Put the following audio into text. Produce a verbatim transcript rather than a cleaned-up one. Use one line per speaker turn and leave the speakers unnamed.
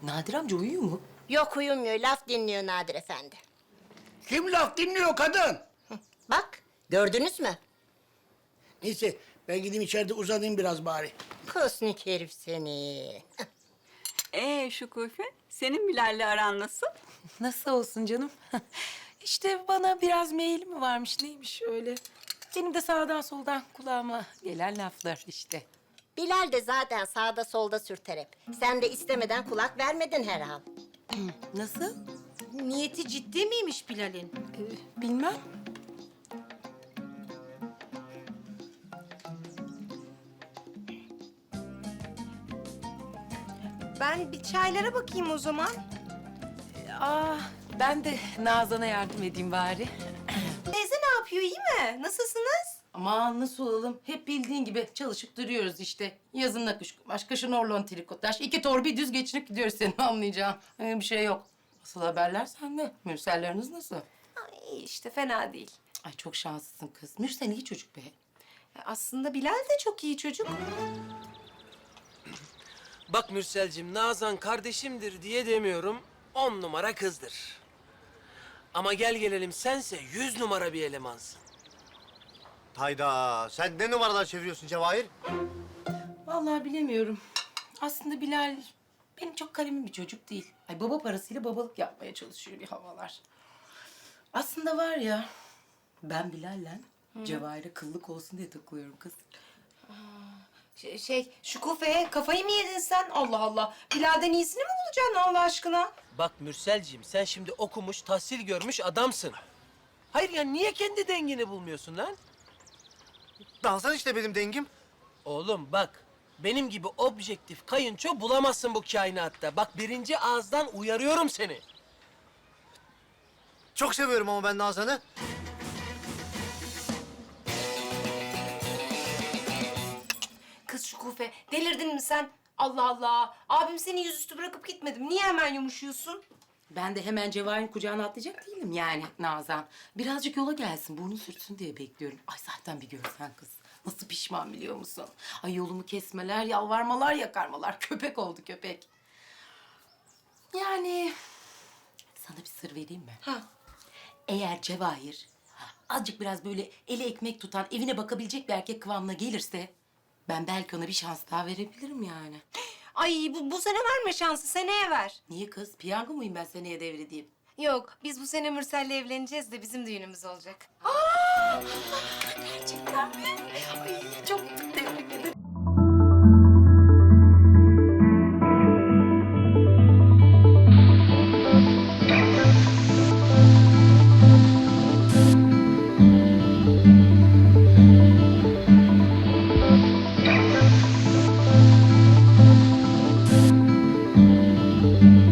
Nadir amca uyuyor mu?
Yok uyumuyor, laf dinliyor Nadir Efendi.
Kim laf dinliyor kadın?
Bak, gördünüz mü?
Neyse ben gideyim içeride uzanayım biraz bari.
Kusnik herif seni.
Ee Şükufe, senin Bilal'le aran nasıl?
Nasıl olsun canım? İşte bana biraz meyil mi varmış neymiş öyle. Benim de sağdan soldan kulağıma gelen laflar işte.
Bilal de zaten sağda solda sürter hep. Sen de istemeden kulak vermedin herhal.
Nasıl?
Niyeti ciddi miymiş Bilal'in?
Bilmem.
Ben bir çaylara bakayım o zaman.
Aa, ben de Nazan'a yardım edeyim bari.
Teyze ne yapıyor, iyi mi? Nasılsınız?
Aman nasıl olalım? Hep bildiğin gibi çalışıp duruyoruz işte. Yazın nakış kumaş, kışın orlon trikotaj. İki torbi düz geçinip gidiyoruz senin anlayacağın. Öyle bir şey yok. Asıl haberler sende. Mürselleriniz nasıl?
Ay işte fena değil.
Ay çok şanslısın kız. Mürsel iyi çocuk be.
Aslında Bilal de çok iyi çocuk.
Bak Mürselcim, Nazan kardeşimdir diye demiyorum. On numara kızdır. Ama gel gelelim sense yüz numara bir elemansın.
Hayda, sen ne numaralar çeviriyorsun Cevahir?
Vallahi bilemiyorum. Aslında Bilal benim çok kalemim bir çocuk değil. Ay baba parasıyla babalık yapmaya çalışıyor bir havalar. Aslında var ya, ben Bilal'le Cevahir'e kıllık olsun diye takılıyorum kız.
Şey, şey Şükufe, kafayı mı yedin sen? Allah Allah. Bilal'den iyisini mi bulacaksın Allah aşkına?
Bak Mürselcim, sen şimdi okumuş, tahsil görmüş adamsın. Hayır ya, niye kendi dengini bulmuyorsun lan?
Nazan işte benim dengim.
Oğlum bak, benim gibi objektif kayınço bulamazsın bu kainatta. Bak birinci ağızdan uyarıyorum seni.
Çok seviyorum ama ben Nazan'ı.
Kız Şükufe, delirdin mi sen? Allah Allah. Abim seni yüzüstü bırakıp gitmedim. Niye hemen yumuşuyorsun?
Ben de hemen Cevahir'in kucağına atlayacak değilim yani Nazan. Birazcık yola gelsin, burnu sürtsün diye bekliyorum. Ay zaten bir görsen kız. Nasıl pişman biliyor musun? Ay yolumu kesmeler, yalvarmalar, yakarmalar. Köpek oldu köpek. Yani sana bir sır vereyim mi?
Ha.
Eğer Cevahir azıcık biraz böyle eli ekmek tutan, evine bakabilecek bir erkek kıvamına gelirse... ben belki ona bir şans daha verebilirim yani.
Ay bu, bu sene verme şansı, seneye ver.
Niye kız? Piyango muyum ben seneye devredeyim?
Yok, biz bu sene Mürsel'le evleneceğiz de bizim düğünümüz olacak.
Gerçekten mi? Ay çok